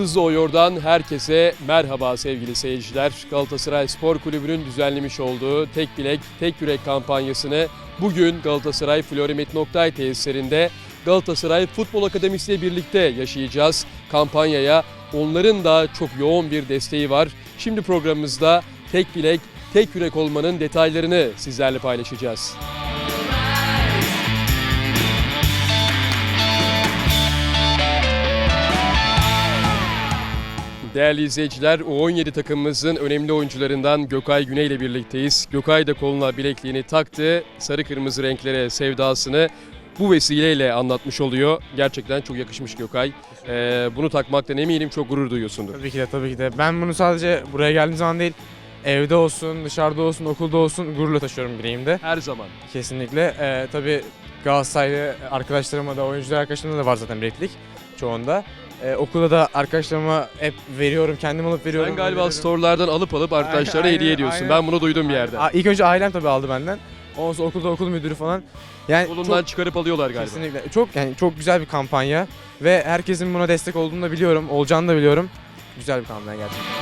Yıldızlı Oyor'dan herkese merhaba sevgili seyirciler. Galatasaray Spor Kulübü'nün düzenlemiş olduğu Tek Bilek, Tek Yürek kampanyasını bugün Galatasaray Florya Metin Oktay tesislerinde Galatasaray Futbol Akademisi ile birlikte yaşayacağız. Kampanyaya onların da çok yoğun bir desteği var. Şimdi programımızda Tek Bilek, Tek Yürek olmanın detaylarını sizlerle paylaşacağız. Değerli izleyiciler, U17 takımımızın önemli oyuncularından Gökay Güney ile birlikteyiz. Gökay da koluna bilekliğini taktı, sarı kırmızı renklere sevdasını bu vesileyle anlatmış oluyor. Gerçekten çok yakışmış Gökay. Bunu takmaktan eminim çok gurur duyuyorsundur. Tabii ki de. Ben bunu sadece buraya geldiğim zaman değil, evde olsun, dışarıda olsun, okulda olsun gururla taşıyorum bileğimde. Her zaman. Kesinlikle. Tabii Galatasaraylı arkadaşlarıma da, oyuncular arkadaşlarıma da var zaten bileklik çoğunda. Okulda da arkadaşlarıma hep veriyorum, kendim alıp veriyorum. Sen galiba storelardan alıp arkadaşlara Aynen, hediye ediyorsun. aynen. Ben bunu duydum bir yerde. İlk önce ailem tabii aldı benden. Ondan sonra okulda okul müdürü falan. Yani Kolundan çıkarıp alıyorlar galiba. kesinlikle. Çok güzel bir kampanya ve herkesin buna destek olduğunu da biliyorum, olacağını da biliyorum. Güzel bir kampanya gerçekten.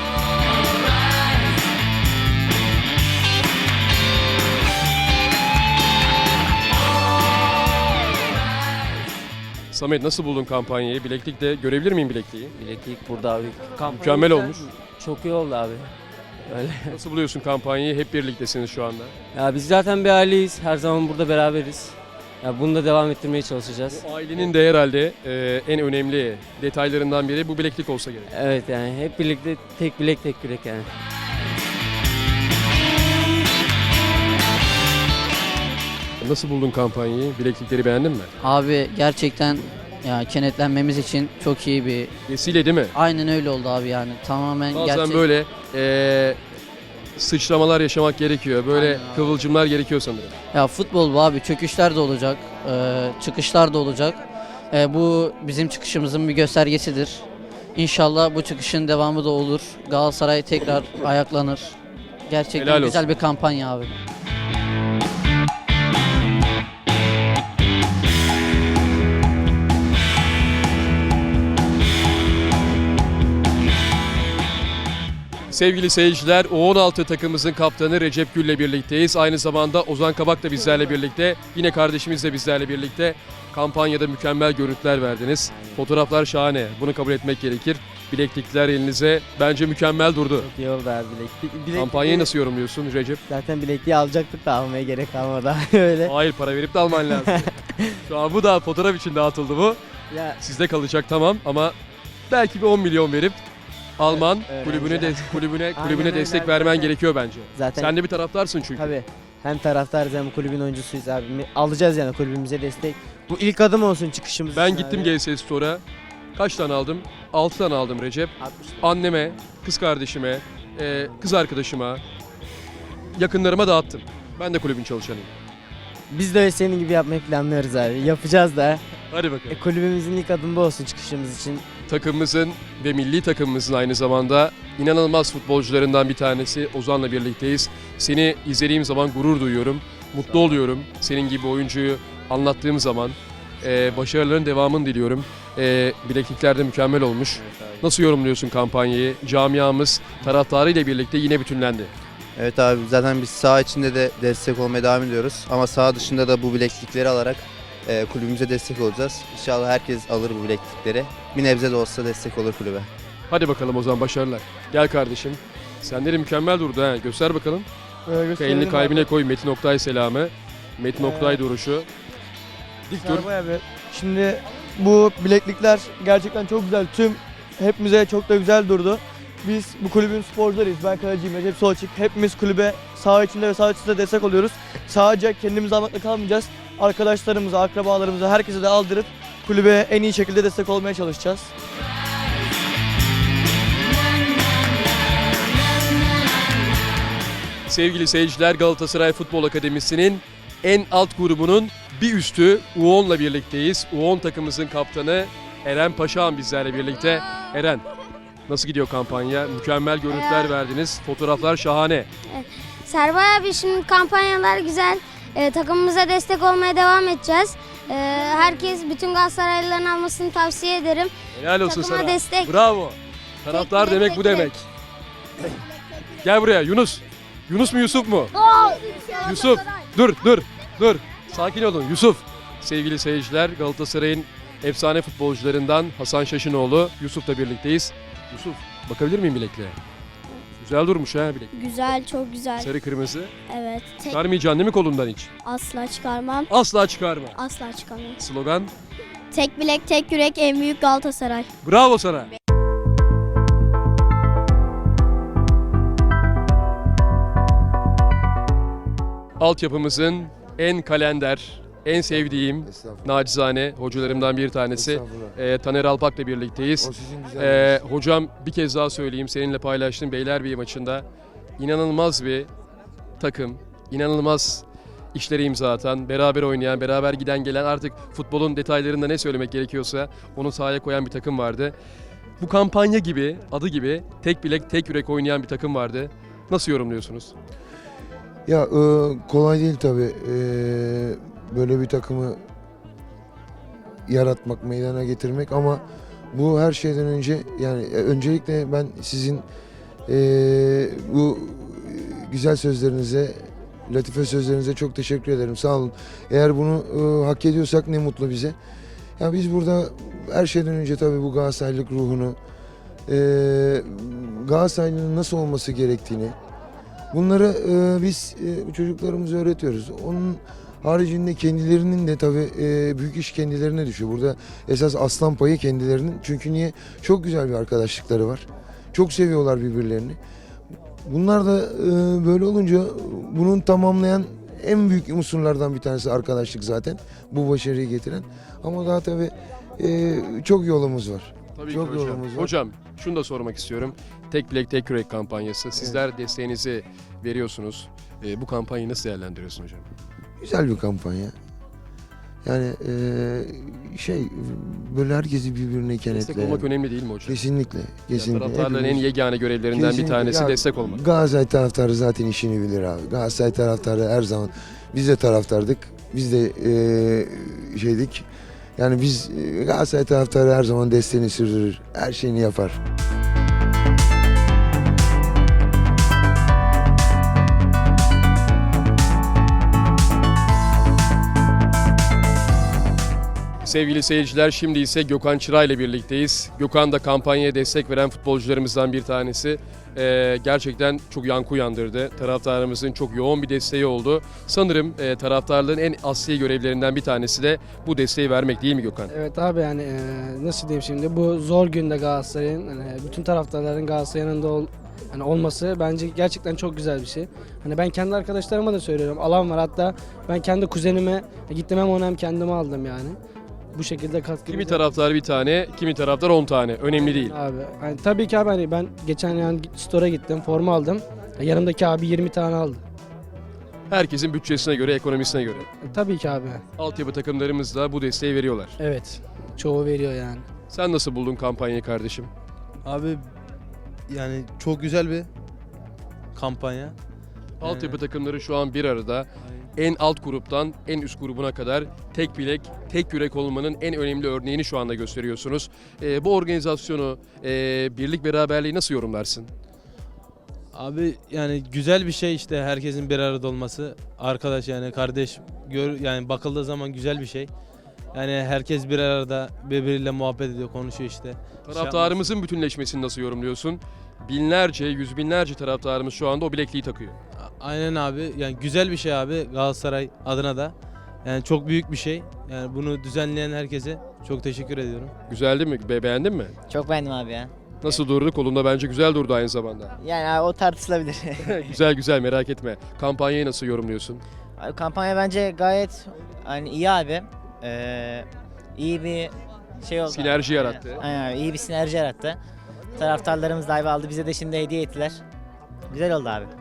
Samet, nasıl buldun kampanyayı? Bileklikte görebilir miyim bilekliği? Bileklik burada abi. Mükemmel olmuş. Çok iyi oldu abi. Öyle. Nasıl buluyorsun kampanyayı? Hep birliktesiniz şu anda. Ya biz zaten bir aileyiz. Her zaman burada beraberiz. Ya bunu da devam ettirmeye çalışacağız. Bu ailenin de herhalde en önemli detaylarından biri bu bileklik olsa gerek. Evet yani hep birlikte tek bilek tek yürek yani. Nasıl buldun kampanyayı? Bileklikleri beğendin mi? Abi gerçekten ya kenetlenmemiz için çok iyi bir Vesile değil mi? aynen öyle oldu abi yani tamamen Bazen gerçek. böyle sıçramalar yaşamak gerekiyor. Böyle Aynen abi. kıvılcımlar gerekiyor sanırım. Ya futbol bu abi, çöküşler de olacak, çıkışlar da olacak. Bu bizim çıkışımızın bir göstergesidir. İnşallah bu çıkışın devamı da olur. Galatasaray tekrar ayaklanır. Gerçekten Helal güzel olsun. bir kampanya abi. Sevgili seyirciler, U16 takımımızın kaptanı Recep Gül'le birlikteyiz. Aynı zamanda Ozan Kabak da bizlerle birlikte. Yine kardeşimiz de bizlerle birlikte. Kampanyada mükemmel görüntüler verdiniz. Fotoğraflar şahane. Bunu kabul etmek gerekir. Bileklikler elinize. Bence mükemmel durdu. Çok iyi oldu abi bileklik. Kampanyayı nasıl yorumluyorsun Recep? Zaten bilekliği alacaktık da almaya gerek kalmadı öyle. Hayır, para verip de alman lazım. Şu an bu da fotoğraf için dağıtıldı bu. Ya Sizde kalacak tamam ama belki bir 10 milyon verip Alman Evet, kulübüne Aynen destek öyle. vermen Zaten- gerekiyor bence. zaten Sen de bir taraftarsın çünkü. tabii hem taraftarız hem kulübün oyuncusuyuz abi. Alacağız yani kulübümüze destek. Bu ilk adım olsun çıkışımız Ben için gittim abi. GS Store'a. Kaç tane aldım? 6 tane aldım Recep. 60 lira. Anneme, kız kardeşime, kız arkadaşıma, yakınlarıma dağıttım. Ben de kulübün çalışanıyım. Biz de öyle senin gibi yapmayı planlıyoruz abi. Yapacağız da. Hadi bakalım. Kulübümüzün ilk adımı bu olsun çıkışımız için. Takımımızın ve milli takımımızın aynı zamanda inanılmaz futbolcularından bir tanesi Ozan'la birlikteyiz. Seni izlediğim zaman gurur duyuyorum, mutlu oluyorum. Senin gibi oyuncuyu anlattığım zaman başarıların devamını diliyorum. Bileklikler de mükemmel olmuş. Nasıl yorumluyorsun kampanyayı? Camiamız taraftarıyla birlikte yine bütünlendi. Evet abi, zaten biz saha içinde de destek olmaya devam ediyoruz. Ama saha dışında da bu bileklikleri alarak kulübümüze destek olacağız. İnşallah herkes alır bu bileklikleri. Bir nebze de olsa destek olur kulübe. Hadi bakalım o zaman, başarılar. Gel kardeşim. Sende de mükemmel durdu ha. Göster bakalım. Elini kalbine koy. Metin Oktay selamı. Metin Oktay duruşu. Dik dur. Serbay abi. Şimdi bu bileklikler gerçekten çok güzel. Hepimize çok da güzel durdu. Biz bu kulübün sporcularıyız. Ben kaleciyim, Recep Solçik. Hepimiz kulübe saha içinde ve saha dışında destek oluyoruz. Sadece kendimizi almakla kalmayacağız. Arkadaşlarımıza, akrabalarımıza, herkese de aldırıp kulübe en iyi şekilde destek olmaya çalışacağız. Sevgili seyirciler, Galatasaray Futbol Akademisi'nin en alt grubunun bir üstü U10'la birlikteyiz. U10 takımımızın kaptanı Eren Paşağan bizlerle birlikte. Eren, nasıl gidiyor kampanya? Mükemmel görüntüler verdiniz. Fotoğraflar şahane. Serbay abi, şimdi kampanyalar güzel. Takımımıza destek olmaya devam edeceğiz. Herkes bütün Galatasaraylıların almasını tavsiye ederim. Helal olsun Takıma sana. destek. Bravo. Taraftar demek bu demek. Gel buraya Yunus. Yunus mu Yusuf mu? Yusuf. Dur. Sakin olun Yusuf. Sevgili seyirciler, Galatasaray'ın efsane futbolcularından Hasan Şaşınoğlu Yusuf'la birlikteyiz. Yusuf, bakabilir miyim bilekliğe? Güzel durmuş ha bilek. Güzel, çok güzel. Sarı kırmızı. Evet. Çıkarmayacaksın değil mi kolundan hiç? Asla çıkarmam. Asla çıkarma. Asla çıkarmam. Slogan. Tek bilek, tek yürek, en büyük Galatasaray. Bravo sana. Altyapımızın en kalender, en sevdiğim nacizane hocalarımdan bir tanesi Taner Alpak'la birlikteyiz. Hocam bir kez daha söyleyeyim, seninle paylaştığım Beylerbeyi maçında inanılmaz bir takım, inanılmaz işlere imza atan, beraber oynayan, beraber giden gelen, artık futbolun detaylarında ne söylemek gerekiyorsa onu sahaya koyan bir takım vardı. Bu kampanya gibi, adı gibi tek bilek tek yürek oynayan bir takım vardı. Nasıl yorumluyorsunuz? Ya kolay değil tabii. Böyle bir takımı yaratmak, meydana getirmek ama bu her şeyden önce yani öncelikle ben sizin bu güzel sözlerinize, latife sözlerinize çok teşekkür ederim. Sağ olun. Eğer bunu hak ediyorsak ne mutlu bize. Ya biz burada her şeyden önce tabii bu Galatasaraylılık ruhunu, Galatasaraylı'nın nasıl olması gerektiğini, bunları biz çocuklarımıza öğretiyoruz. Onun haricinde kendilerinin de tabii büyük iş kendilerine düşüyor. Burada esas aslan payı kendilerinin. Çünkü niye? Çok güzel bir arkadaşlıkları var. Çok seviyorlar birbirlerini. Bunlar da böyle olunca bunun tamamlayan en büyük unsurlardan bir tanesi arkadaşlık zaten. Bu başarıyı getiren. Ama daha tabii çok yolumuz var. Tabii Çok ki hocam. yolumuz var. Hocam şunu da sormak istiyorum. Tek bilek tek yürek kampanyası. Sizler desteğinizi veriyorsunuz. Bu kampanyayı nasıl değerlendiriyorsun hocam? Güzel bir kampanya. Yani böyle herkesi birbirine Destek kenetleyen. olmak önemli değil mi hocam? Kesinlikle. Kesinlikle. Taraftarların en Hepimiz- yegane görevlerinden bir Kesinlikle. tanesi Ya, destek olmak. Galatasaray taraftarı zaten işini bilir abi. Galatasaray taraftarı her zaman, biz de taraftardık. Biz de şeydik. Yani biz Galatasaray taraftarı her zaman desteğini sürdürür. Her şeyini yapar. Sevgili seyirciler, şimdi ise Gökhan Çıra ile birlikteyiz. Gökhan da kampanyaya destek veren futbolcularımızdan bir tanesi. Gerçekten çok yankı uyandırdı. Taraftarımızın çok yoğun bir desteği oldu. Sanırım taraftarlığın en asli görevlerinden bir tanesi de bu desteği vermek, değil mi Gökhan? Evet abi yani nasıl diyeyim şimdi, bu zor günde Galatasaray'ın bütün taraftarların Galatasaray'ın yanında olması bence gerçekten çok güzel bir şey. Hani ben kendi arkadaşlarıma da söylüyorum, alan var, hatta ben kendi kuzenime gittim, hem onu hem kendime aldım yani. Bu şekilde katkı. Kimi taraftar bir tane, kimi taraftar 10 tane. Önemli değil. Abi yani tabii ki abi, hani ben geçen yani store'a gittim, forma aldım. Yanımdaki abi 20 tane aldı. Herkesin bütçesine göre, ekonomisine göre. Tabii ki abi. Altyapı takımlarımız da bu desteği veriyorlar. Evet. Çoğu veriyor yani. Sen nasıl buldun kampanyayı kardeşim? Abi yani çok güzel bir kampanya. Altyapı takımları şu an bir arada. En alt gruptan en üst grubuna kadar tek bilek, tek yürek olmanın en önemli örneğini şu anda gösteriyorsunuz. Bu organizasyonu, birlik beraberliği nasıl yorumlarsın? Abi yani güzel bir şey işte, herkesin bir arada olması. Arkadaş yani kardeş, yani bakıldığı zaman güzel bir şey. Yani herkes bir arada birbiriyle muhabbet ediyor, konuşuyor işte. Taraftarımızın bütünleşmesini nasıl yorumluyorsun? Binlerce, yüz binlerce taraftarımız şu anda o bilekliği takıyor. Aynen abi, yani güzel bir şey abi Galatasaray adına da. Yani çok büyük bir şey. Yani bunu düzenleyen herkese çok teşekkür ediyorum. Güzel değil mi? Beğendin mi? Çok beğendim abi ya. Nasıl durdu? Kolunda bence güzel durdu aynı zamanda. Yani abi, o tartışılabilir. Güzel merak etme. Kampanyayı nasıl yorumluyorsun? Abi, kampanya bence gayet iyi abi. İyi bir şey oldu. Sinerji yarattı. Aynen abi, iyi bir sinerji yarattı. Taraftarlarımız da aldı, bize de şimdi hediye ettiler. Güzel oldu abi.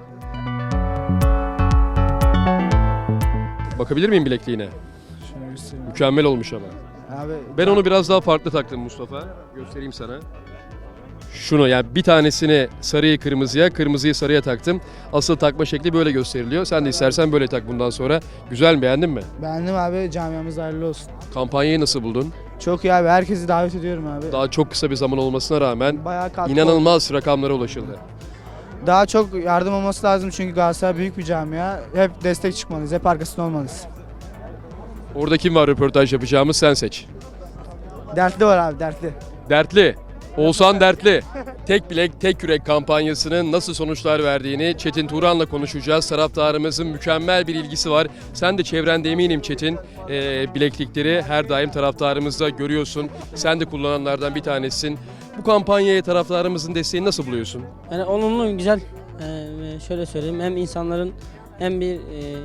Bakabilir miyim bilekliğine? Mükemmel olmuş ama. Abi, Ben onu biraz daha farklı taktım Mustafa. Göstereyim sana. Şunu, yani bir tanesini sarıyı kırmızıya, kırmızıyı sarıya taktım. Asıl takma şekli böyle gösteriliyor. Sen de istersen böyle tak bundan sonra. Güzel mi, beğendin mi? beğendim abi, camiamız hayırlı olsun. Kampanyayı nasıl buldun? Çok iyi abi. Herkesi davet ediyorum abi. Daha çok kısa bir zaman olmasına rağmen Bayağı katkı oldu. inanılmaz rakamlara ulaşıldı. Daha çok yardım olması lazım çünkü Galatasaray büyük bir camia. Hep destek çıkmalıyız. Hep arkasında olmalıyız. Orada kim var röportaj yapacağımız, sen seç. Dertli var abi, dertli. Dertli. Oğuzhan Dertli. Tek bilek, tek yürek kampanyasının nasıl sonuçlar verdiğini Çetin Turan'la konuşacağız. Taraftarımızın mükemmel bir ilgisi var. Sen de çevrende eminim Çetin. Bileklikleri her daim taraftarımızda görüyorsun. Sen de kullananlardan bir tanesisin. Bu kampanyaya taraftarımızın desteğini nasıl buluyorsun? Yani olumlu, güzel. Şöyle söyleyeyim, hem insanların hem bir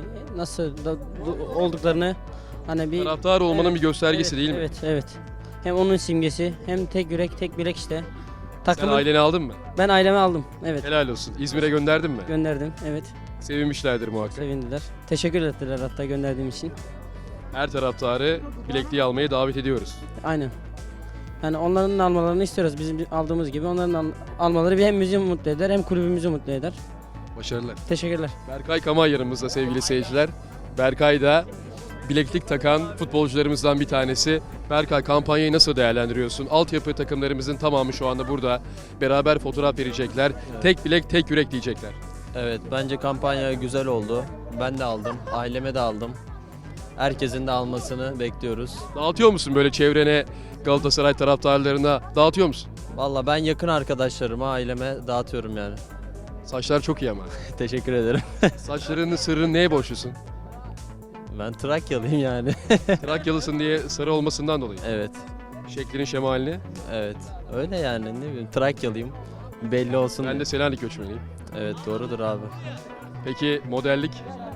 olduklarını hani bir Taraftar olmanın Evet, bir göstergesi evet, değil mi? Evet, evet. Hem onun simgesi, hem tek yürek, tek bilek işte. Sen aileni aldın mı? Ben aileme aldım. Evet. Helal olsun. İzmir'e gönderdin mi? Gönderdim. Evet. Sevinmişlerdir muhakkak. Sevindiler. Teşekkür ettiler hatta gönderdiğim için. Her taraftarı bilekliği almaya davet ediyoruz. Aynen. Yani onların almalarını istiyoruz. Bizim aldığımız gibi onların almaları hem bizi mutlu eder hem kulübümüzü mutlu eder. Başarılar. Teşekkürler. Berkay Kamay yanımızda sevgili seyirciler. Berkay da bileklik takan futbolcularımızdan bir tanesi. Berkay, kampanyayı nasıl değerlendiriyorsun? Altyapı takımlarımızın tamamı şu anda burada. Beraber fotoğraf verecekler. Tek bilek, tek yürek diyecekler. Evet, bence kampanya güzel oldu. Ben de aldım, aileme de aldım. Herkesin de almasını bekliyoruz. Dağıtıyor musun böyle çevrene, Galatasaray taraftarlarına dağıtıyor musun? Valla ben yakın arkadaşlarıma, aileme dağıtıyorum yani. Saçlar çok iyi ama. Teşekkür ederim. Saçlarının sırrını neye borçlusun? Ben Trakyalıyım yani. Trakyalısın diye sarı olmasından dolayı. Evet, Şeklinin şemalini. evet. Öyle yani, ne bileyim, Trakyalıyım. Belli olsun. Ben de Selanik göçmeniyim. Evet, doğrudur abi. Peki modellik,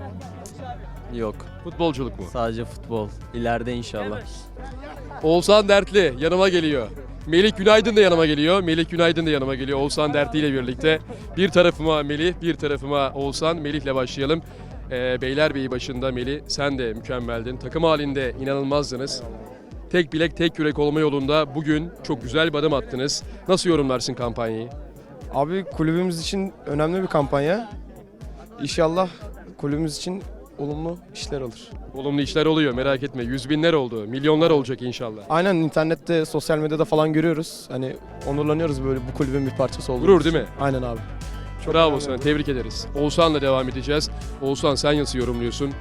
Yok, futbolculuk mu? sadece futbol. İleride inşallah. Oğuzhan Dertli yanıma geliyor. Melih Günaydın da yanıma geliyor. Melih Günaydın da yanıma geliyor Oğuzhan Dertli ile birlikte. Bir tarafıma Melih, bir tarafıma Oğuzhan. Melih'le başlayalım. Beylerbeyi başında Melih, sen de mükemmeldin. Takım halinde inanılmazdınız. Tek bilek, tek yürek olma yolunda bugün çok güzel bir adım attınız. Nasıl yorumlarsın kampanyayı? Abi kulübümüz için önemli bir kampanya. İnşallah kulübümüz için olumlu işler alır. Olumlu işler oluyor, merak etme. Yüz binler oldu, milyonlar olacak inşallah. Aynen, internette, sosyal medyada falan görüyoruz. Hani onurlanıyoruz böyle bu kulübün bir parçası olduğumuz Gurur için. değil mi? Aynen abi. Çok Bravo önemli sana, bu. tebrik ederiz. Oğuzhan'la devam edeceğiz. Oğuzhan, sen nasıl yorumluyorsun?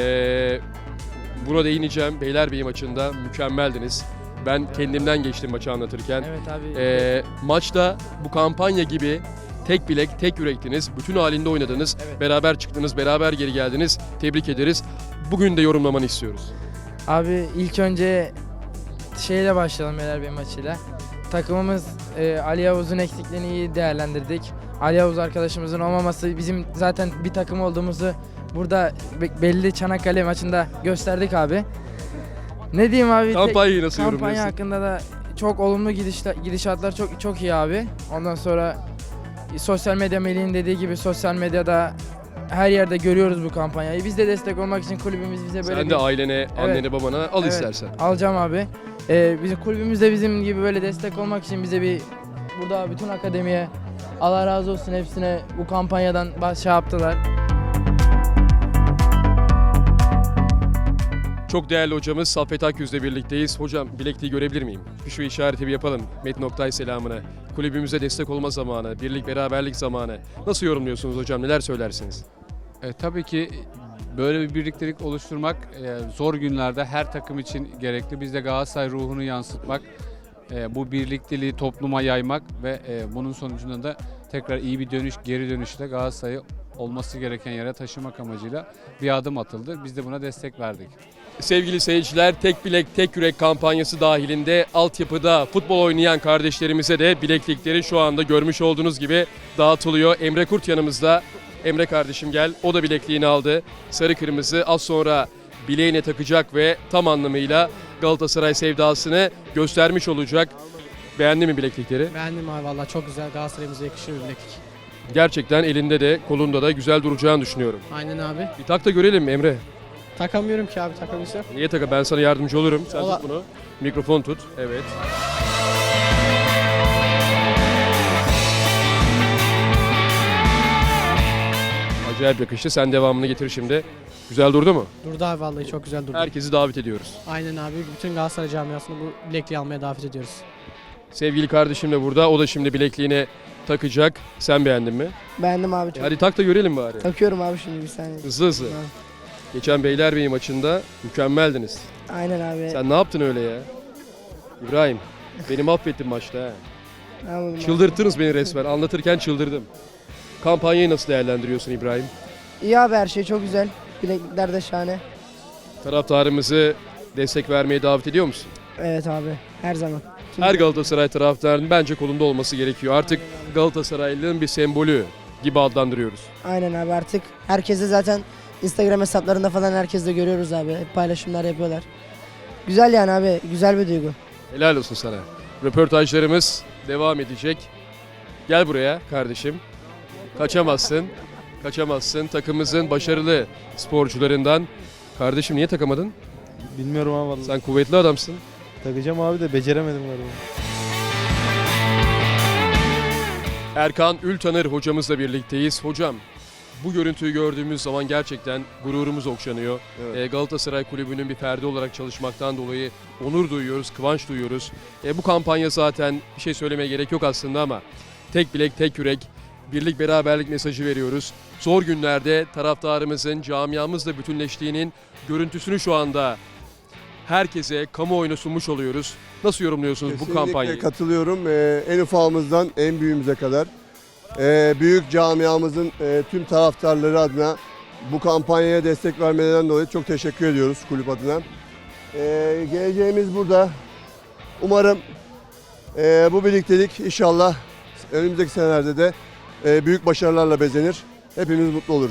Buna değineceğim. Beylerbeyi maçında mükemmeldiniz. Ben kendimden geçtim maçı anlatırken. Evet abi. Maçta bu kampanya gibi tek bilek, tek yürektiniz. Bütün halinde oynadınız. Evet. Beraber çıktınız, beraber geri geldiniz. Tebrik ederiz. Bugün de yorumlamanı istiyoruz. Abi ilk önce şeyle başlayalım Beylerbeyi maçıyla. Takımımız Ali Yavuz'un eksikliğini iyi değerlendirdik. Ali Yavuz arkadaşımızın olmaması bizim zaten bir takım olduğumuzu burada belli Çanakkale maçında gösterdik abi. Ne diyeyim abi? Kampanyayı nasıl Kampanya yorumluyorsun? hakkında da çok olumlu gidişatlar çok iyi abi. Ondan sonra sosyal medya, Melih'in dediği gibi sosyal medyada her yerde görüyoruz bu kampanyayı. Biz de destek olmak için kulübümüz bize böyle Sen de ailene, annene, babana al Evet, istersen. alacağım abi. Bizim kulübümüzde bizim gibi böyle destek olmak için bize burada bütün akademiye Allah razı olsun, hepsine bu kampanyadan şey yaptılar. Çok değerli hocamız Saffet Akyüz'le birlikteyiz. Hocam, bilekliği görebilir miyim? Şu işareti bir yapalım. Metin Oktay selamına. Kulübümüze destek olma zamanı, birlik beraberlik zamanı. Nasıl yorumluyorsunuz hocam? Neler söylersiniz? Tabii ki böyle bir birliktelik oluşturmak zor günlerde her takım için gerekli. Biz de Galatasaray ruhunu yansıtmak, bu birlikteliği topluma yaymak ve bunun sonucunda da tekrar iyi bir geri dönüşle Galatasaray'ı olması gereken yere taşımak amacıyla bir adım atıldı. Biz de buna destek verdik. Sevgili seyirciler, tek bilek tek yürek kampanyası dahilinde altyapıda futbol oynayan kardeşlerimize de bileklikleri şu anda görmüş olduğunuz gibi dağıtılıyor. Emre Kurt yanımızda. Emre kardeşim gel. O da bilekliğini aldı. Sarı kırmızı az sonra bileğine takacak ve tam anlamıyla Galatasaray sevdasını göstermiş olacak. Beğendin mi bileklikleri? Beğendim abi, valla çok güzel, Galatasaray'ımıza yakışır bir bileklik. Gerçekten elinde de kolunda da güzel duracağını düşünüyorum. Aynen abi. Bir tak da görelim Emre. Takamıyorum ki abi, takabilsem. Niye taka? Ben sana yardımcı olurum. Sen Ola- tut bunu. Mikrofon tut. Evet. Acayip yakıştı. Sen devamını getir şimdi. Güzel durdu mu? Durdu abi vallahi çok güzel durdu. Herkesi davet ediyoruz. Aynen abi. Bütün Galatasaray camiasını bu bilekliği almaya davet ediyoruz. Sevgili kardeşim de burada. O da şimdi bilekliğini takacak. Sen beğendin mi? Beğendim abi çok. Hadi tak da görelim bari. Takıyorum abi şimdi bir saniye. Hızlı hızlı. Tamam. Geçen Beylerbeyi maçında mükemmeldiniz. Aynen abi. Sen ne yaptın öyle ya? İbrahim, beni mahvettin maçta ha. Anladım Çıldırttınız beni resmen. Anlatırken çıldırdım. Kampanyayı nasıl değerlendiriyorsun İbrahim? İyi abi her şey çok güzel. Bileklikler de şahane. Taraftarımızı destek vermeye davet ediyor musun? Evet abi her zaman. Her Galatasaray taraftarının bence kolunda olması gerekiyor. Artık Galatasaraylılığın bir sembolü gibi adlandırıyoruz. Aynen abi artık herkese zaten Instagram hesaplarında falan herkes de görüyoruz abi. Hep paylaşımlar yapıyorlar. Güzel yani abi güzel bir duygu. Helal olsun sana. Röportajlarımız devam edecek. Gel buraya kardeşim. Kaçamazsın. Kaçamazsın. Takımımızın başarılı sporcularından. Kardeşim niye takamadın? Bilmiyorum ama vallahi. Sen kuvvetli adamsın. Takacağım abi de beceremedim galiba. Erkan Ültanır hocamızla birlikteyiz. Hocam bu görüntüyü gördüğümüz zaman gerçekten gururumuz okşanıyor. Galatasaray Kulübü'nün bir ferdi olarak çalışmaktan dolayı onur duyuyoruz, kıvanç duyuyoruz. Bu kampanya zaten bir şey söylemeye gerek yok aslında ama tek bilek, tek yürek, birlik beraberlik mesajı veriyoruz. Zor günlerde taraftarımızın, camiamızla bütünleştiğinin görüntüsünü şu anda herkese kamuoyuna sunmuş oluyoruz. Nasıl yorumluyorsunuz bu kampanyayı? Kesinlikle katılıyorum. En ufağımızdan en büyüğümüze kadar. Büyük camiamızın tüm taraftarları adına bu kampanyaya destek vermelerinden dolayı çok teşekkür ediyoruz kulüp adına. Geleceğimiz burada. Umarım bu birliktelik inşallah önümüzdeki senelerde de büyük başarılarla bezenir. Hepimiz mutlu oluruz.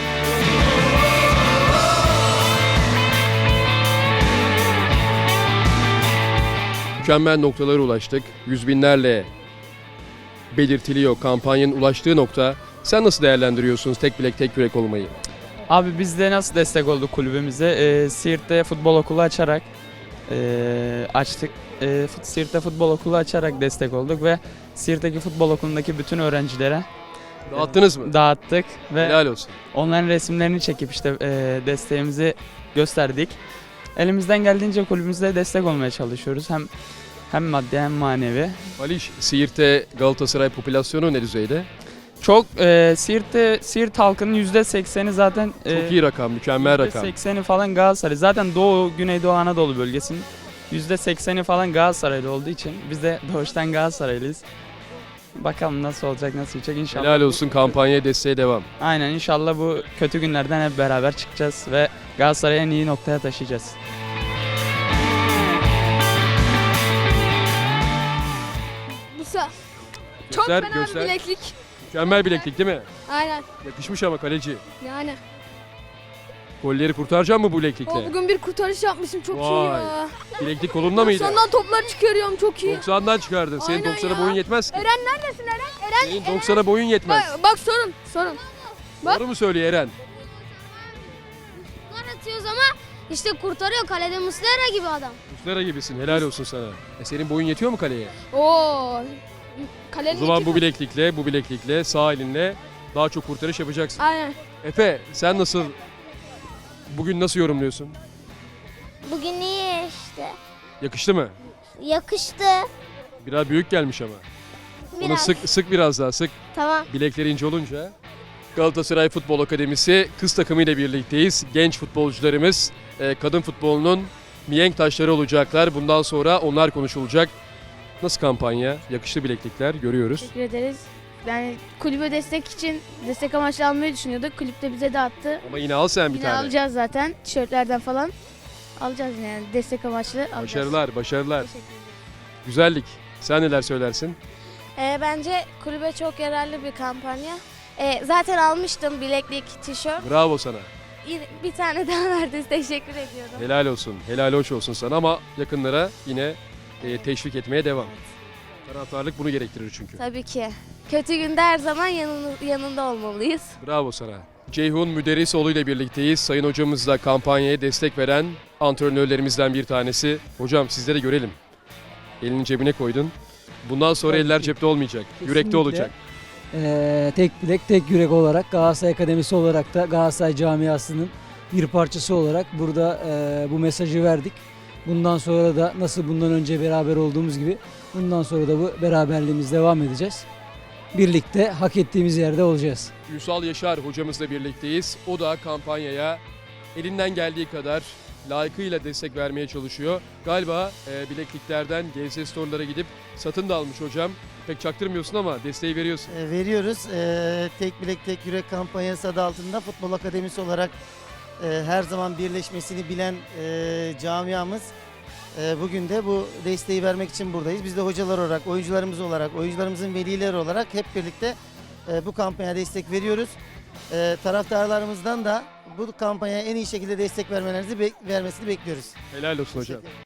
Mükemmel noktalara ulaştık. Yüz binlerle belirtiliyor kampanyanın ulaştığı nokta. Sen nasıl değerlendiriyorsunuz tek bilek tek yürek olmayı? Abi biz de nasıl destek olduk kulübümüze? Siirt'te futbol okulu açarak açtık. Siirt'te futbol okulu açarak destek olduk ve Siirt'teki futbol okulundaki bütün öğrencilere dağıttınız mı? Dağıttık ve helal olsun. Onların resimlerini çekip işte desteğimizi gösterdik. Elimizden geldiğince kulübümüze destek olmaya çalışıyoruz. Hem maddi hem manevi. Aliş, Siirt'te Galatasaray popülasyonu ne düzeyde? Çok Siirt halkının %80'i zaten çok iyi rakam, mükemmel rakam. %80'i falan Galatasaray. Zaten Doğu, Güneydoğu Anadolu bölgesinin %80'i falan Galatasaraylı olduğu için biz de doğuştan Galatasaraylıyız. Bakalım nasıl olacak, nasıl olacak inşallah. Helal olsun, kampanyaya desteğe devam. Aynen, inşallah bu kötü günlerden hep beraber çıkacağız ve Galatasaray'ı en iyi noktaya taşıyacağız. Çok Göster, fena göster. bir bileklik. Mükemmel bileklik değil mi? Aynen. Yakışmış ama kaleci. Yani. Golleri kurtaracak mı bu bileklikle? Bugün bir kurtarış yapmışım çok iyi Vay. ya. Bileklik kolunda mıydı? 90'dan toplar çıkarıyorum çok iyi. 90'dan çıkardın. Senin Aynen 90'a ya. boyun yetmez ki. Eren neredesin Eren? Senin 90'a boyun yetmez. Bak sorun. Bak. Doğru mu söylüyor Eren? Gol atıyoruz ama işte kurtarıyor kalede Muslera gibi adam. Muslera gibisin. Helal olsun sana. Senin boyun yetiyor mu kaleye? Oo. O Kalenin zaman iki bu bileklikle sağ elinle daha çok kurtarış yapacaksın. Aynen. Efe, sen bugün nasıl yorumluyorsun? Bugün iyi işte. Yakıştı mı? Yakıştı. Biraz büyük gelmiş ama. Onu Biraz. sık biraz daha sık. Tamam. Bilekleri ince olunca. Galatasaray Futbol Akademisi kız takımıyla birlikteyiz. Genç futbolcularımız kadın futbolunun mihenk taşları olacaklar. Bundan sonra onlar konuşulacak. Nasıl kampanya? Yakıştı bileklikler görüyoruz. Teşekkür ederiz. Yani kulübe destek amaçlı almayı düşünüyorduk. Kulüp de bize dağıttı. Ama yine al sen bir Yine tane. alacağız zaten. Tişörtlerden falan. Alacağız yani destek amaçlı alacağız. Başarılar. Güzellik. Sen neler söylersin? Bence kulübe çok yararlı bir kampanya. Zaten almıştım bileklik, tişört. Bravo sana. Bir tane daha verdiniz. Teşekkür ediyorum. Helal olsun. Helal hoş olsun sana ama yakınlara yine teşvik etmeye devam. Taraftarlık bunu gerektirir çünkü. Tabii ki. Kötü günde her zaman yanında olmalıyız. Bravo sana. Ceyhun Müderrisoğlu ile birlikteyiz. Sayın hocamız da kampanyaya destek veren antrenörlerimizden bir tanesi. Hocam sizleri görelim. Elini cebine koydun. Bundan sonra eller cepte olmayacak. Yürekte olacak. tek bilek, tek yürek olarak Galatasaray Akademisi olarak da Galatasaray camiasının bir parçası olarak burada bu mesajı verdik. Bundan sonra da nasıl bundan önce beraber olduğumuz gibi bundan sonra da bu beraberliğimiz devam edeceğiz. Birlikte hak ettiğimiz yerde olacağız. Ünsal Yaşar hocamızla birlikteyiz. O da kampanyaya elinden geldiği kadar layıkıyla destek vermeye çalışıyor. Galiba bilekliklerden GS Store'lara gidip satın da almış hocam. Pek çaktırmıyorsun ama desteği veriyorsun. Veriyoruz. Tek bilek tek yürek kampanyası adı altında Futbol Akademisi olarak her zaman birleşmesini bilen camiamız bugün de bu desteği vermek için buradayız. Biz de hocalar olarak, oyuncularımız olarak, oyuncularımızın velileri olarak hep birlikte bu kampanyaya destek veriyoruz. Taraftarlarımızdan da bu kampanyaya en iyi şekilde destek vermesini bekliyoruz. Helal olsun hocam.